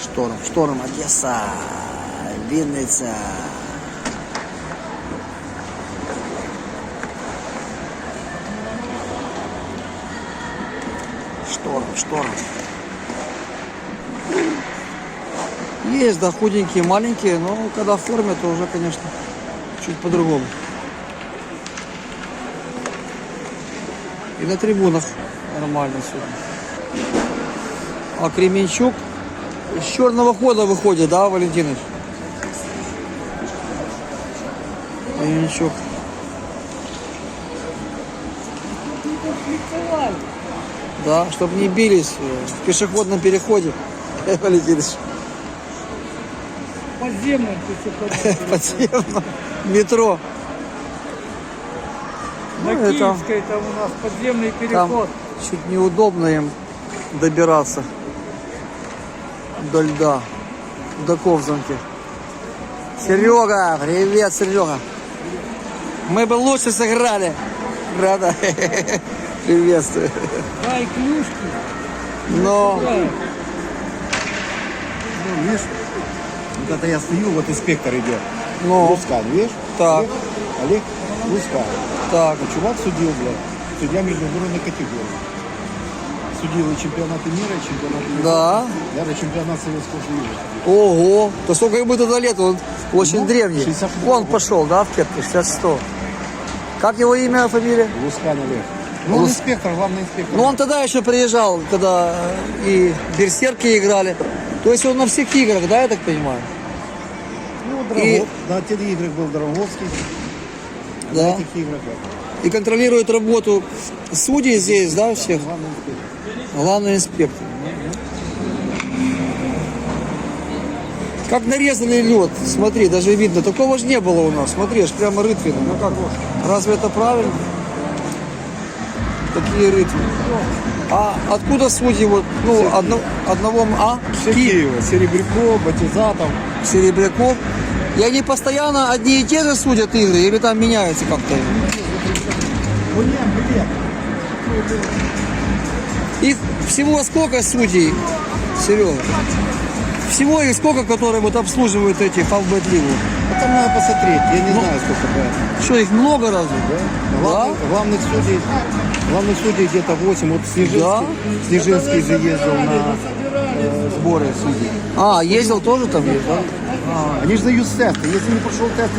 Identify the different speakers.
Speaker 1: Шторм, Одесса, Винница. Шторм. Есть, да, худенькие, маленькие, но когда в форме, то уже, конечно, чуть по-другому. И на трибунах нормально сегодня. А Кременчук с черного хода выходит, да, Валентинович? Кременчук. Да, чтобы не бились в пешеходном переходе, Валентинович.
Speaker 2: Подземном пешеходном.
Speaker 1: Подземном метро.
Speaker 2: На
Speaker 1: Ну,
Speaker 2: Киевской там у нас подземный переход.
Speaker 1: Там чуть неудобно им добираться до льда, до Ковзанки. Серега, привет, Серега. Мы бы лучше сыграли. Рада. Приветствую.
Speaker 2: Дай клюшки.
Speaker 1: Но
Speaker 2: Дай.
Speaker 3: Ну, видишь, вот это я стою, вот инспектор идет.
Speaker 1: Ну.
Speaker 3: Лускан, видишь?
Speaker 1: Так.
Speaker 3: Олег Лускан.
Speaker 1: так.
Speaker 3: А чувак судил, блядь, судья международной категории. Судил и чемпионаты мира, и чемпионаты мира.
Speaker 1: Да.
Speaker 3: Даже чемпионат Советского Союза.
Speaker 1: Ого. То сколько ему тогда лет? Он очень
Speaker 3: Ну,
Speaker 1: древний.
Speaker 3: 66
Speaker 1: Он пошел, да, в кепке, 60-100. Как его имя, фамилия?
Speaker 3: Лускан Олег. Ну, он инспектор, главный инспектор.
Speaker 1: Ну, он тогда еще приезжал, когда и берсерки играли. То есть он на всех играх, да, я так понимаю?
Speaker 3: Ну, Драгов, на тех играх был Драговский.
Speaker 1: Да.
Speaker 3: На этих играх,
Speaker 1: И контролирует работу судей здесь, да, всех?
Speaker 3: главный инспектор.
Speaker 1: Главный инспектор. Как нарезали лед, смотри, даже видно. Такого же не было у нас. Смотри, аж прямо рытвины. Ну как, разве это правильно? Такие рытвины. А откуда судьи вот, ну, одного,
Speaker 3: Все Киева. Серебряков, Батизатов.
Speaker 1: Серебряков? И они постоянно одни и те же судят игры или там меняются как-то? Их всего сколько судей, Серега? Всего их сколько, которые вот обслуживают эти фавбет-лигу?
Speaker 3: А там надо посмотреть, я не знаю, сколько это.
Speaker 1: Что, их много разве?
Speaker 3: Главных судей где-то 8. Вот Снежинский же ездил на сборы судей.
Speaker 1: А, ездил тоже там?
Speaker 3: Они же дают тесты. Если не прошел тест,